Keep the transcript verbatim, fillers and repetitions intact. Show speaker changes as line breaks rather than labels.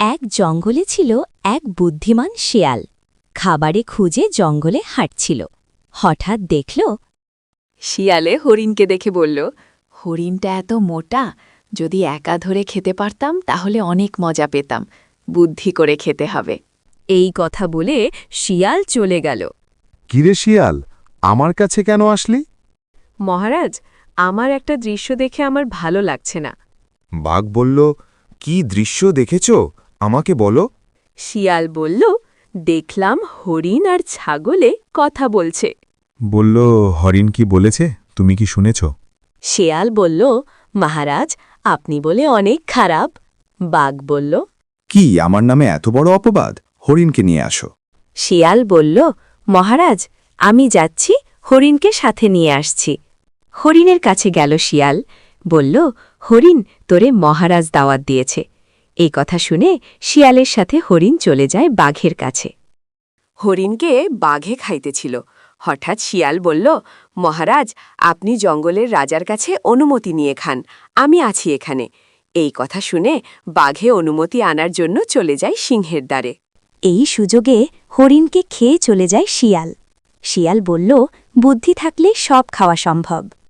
এক জঙ্গলে ছিল এক বুদ্ধিমান শেয়াল। খাবারে খুঁজে জঙ্গলে হাঁটছিল। হঠাৎ দেখল
শিয়ালে হরিণকে দেখে বলল, হরিণটা এত মোটা, যদি একা ধরে খেতে পারতাম তাহলে অনেক মজা পেতাম। বুদ্ধি করে খেতে হবে।
এই কথা বলে শিয়াল চলে গেল।
কিরে শিয়াল, আমার কাছে কেন আসলি?
মহারাজ, আমার একটা দৃশ্য দেখে আমার ভালো লাগছে না।
বাঘ বলল, কি দৃশ্য দেখেছ, আমাকে বলো।
শিয়াল বলল, দেখলাম হরিণ আর ছাগলে কথা বলছে।
বলল, হরিণ কি বলেছে, তুমি কি শুনেছ?
শেয়াল বলল, মহারাজ, আপনি বলে অনেক খারাপ। বাঘ বলল,
কি আমার নামে এত বড় অপবাদ? হরিণকে নিয়ে আসো।
শিয়াল বলল, মহারাজ, আমি যাচ্ছি, হরিণকে সাথে নিয়ে আসছি। হরিণের কাছে গেল শিয়াল, বলল, হরিণ, তোরে মহারাজ দাওয়াত দিয়েছে। এই কথা শুনে শিয়ালের সাথে হরিণ চলে যায় বাঘের কাছে।
হরিণকে বাঘে খাইতেছিল। হঠাৎ শিয়াল বলল, মহারাজ, আপনি জঙ্গলের রাজার কাছে অনুমতি নিয়ে খান, আমি আছি এখানে। এই কথা শুনে বাঘে অনুমতি আনার জন্য চলে যায় সিংহের দ্বারে।
এই সুযোগে হরিণকে খেয়ে চলে যায় শিয়াল। শিয়াল বলল, বুদ্ধি থাকলে সব খাওয়া সম্ভব।